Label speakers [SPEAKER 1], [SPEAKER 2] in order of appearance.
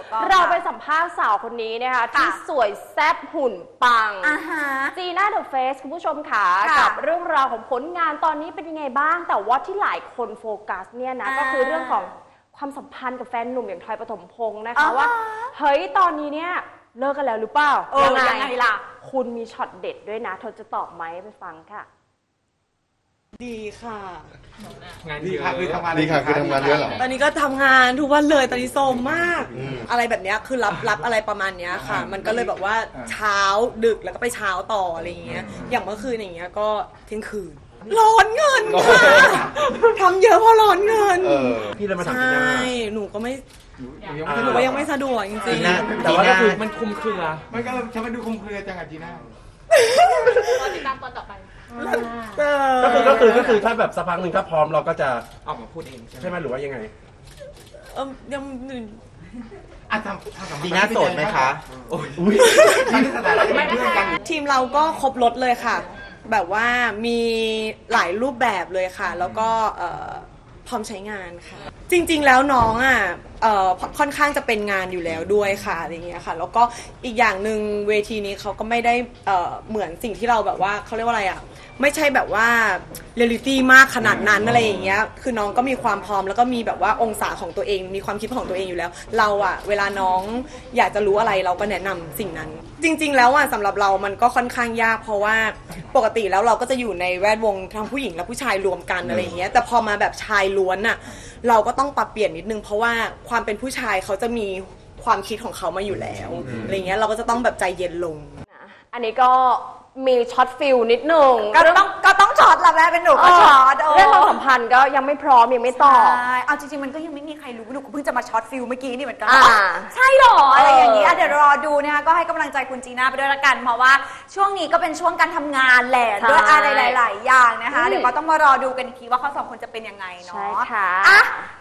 [SPEAKER 1] เราไปสัมภาษณ์สาวคนนี้นะคะที่สวยแซ่บหุ่นปังจีน่าเดอะเฟสคุณผู้ชมค่ะกับเรื่องราวของผลงานตอนนี้เป็นยังไงบ้างแต่ว่าที่หลายคนโฟกัสเนี่ยนะก็คือเรื่องของความสัมพันธ์กับแฟนหนุ่มอย่างทอยปฐมพงษ์นะคะว่าเฮ้ยตอนนี้เนี่ยเลิกกันแล้วหรือเปล่ายังไงล่ะคุณมีช็อตเด็ดด้วยนะเธอจะตอบไหมไปฟังค่ะ
[SPEAKER 2] ดีค่ะ
[SPEAKER 3] งานดีค่ะคือทำงาน
[SPEAKER 4] ดีค่ะคือทำงานเยอะเหรอ
[SPEAKER 2] ตอนนี้ก็ทำงานทุกวันเลยตอนนี้โซมมากอะไรแบบนี้คือรับอะไรประมาณนี้ค่ะมันก็เลยแบบว่าเช้าดึกแล้วก็ไปเช้าต่ออะไรอย่างเงี้ยอย่างเมื่อคืนอย่างเงี้ยก็เที่ยงคืนร้อนเงินค่ะทำเยอะเพราะร้อนเงิน
[SPEAKER 3] พี่เลยมาถาม
[SPEAKER 2] ใช่หนูก็ยังไม่สะดวกจริงๆ
[SPEAKER 3] แต่ว่าก็คือมันคุมเครือมันก็ทำให้ดูคุมเครือจังอะจีน่า
[SPEAKER 1] ติดตามตอนต่อไป
[SPEAKER 3] ก็คือถ้าแบบสักพักหนึ่งถ้าพร้อมเราก็จะออกมาพูดเองใช่ไหมหรือว่ายังไง
[SPEAKER 2] ยัง
[SPEAKER 3] จีน่าโสดไหมคะ
[SPEAKER 2] ทีมเราก็ครบรถเลยค่ะแบบว่ามีหลายรูปแบบเลยค่ะแล้วก็พร้อมใช้งานค่ะจริงๆแล้วน้องค่อนข้างจะเป็นงานอยู่แล้วด้วยค่ะอะไรเงี้ยค่ะแล้วก็อีกอย่างหนึ่งเวทีนี้เขาก็ไม่ได้เหมือนสิ่งที่เราแบบว่าเขาเรียกว่าอะไรไม่ใช่แบบว่าเรียลลิตี้มากขนาดนั้นอะไรอย่างเงี้ยคือน้องก็มีความพร้อมแล้วก็มีแบบว่าองศาของตัวเองมีความคิดของตัวเองอยู่แล้วเราเวลาน้องอยากจะรู้อะไรเราก็แนะนำสิ่งนั้นจริงๆแล้วสำหรับเรามันก็ค่อนข้างยากเพราะว่าปกติแล้วเราก็จะอยู่ในแวดวงทั้งผู้หญิงและผู้ชายรวมกันอะไรอย่างเงี้ยแต่พอมาแบบชายล้วนเราก็ต้องปรับเปลี่ยนนิดนึงเพราะว่าความเป็นผู้ชายเขาจะมีความคิดของเขามาอยู่แล้วอะไรเงี้ยเราก็จะต้องแบบใจเย็นลง
[SPEAKER 1] อันนี้ก็มีช็อตฟิลนิดนึง
[SPEAKER 5] ก็ต้องช็อตละแม่เป็นหนูก็ช็อต
[SPEAKER 1] เรื่องความสัมพันธ์ก็ยังไม่พร้อมยังไม่ตอบ
[SPEAKER 5] เอาจริงๆมันก็ยังไม่มีใครรู้หนูเพิ่งจะมาช็อตฟิลเมื่อกี้นี่เหมือนกันใช่หรออะไรอย่างนี้เดี๋ยวรอดูนะคะก็ให้กำลังใจคุณจีน่าไปด้วยละกันเพราะว่าช่วงนี้ก็เป็นช่วงการทำงานแหละด้วยอะไรหลายๆอย่างนะคะเดี๋ยวก็ต้องมารอดูกันอีกทีว่าเขาสองคนจะเป็นยังไงเนาะ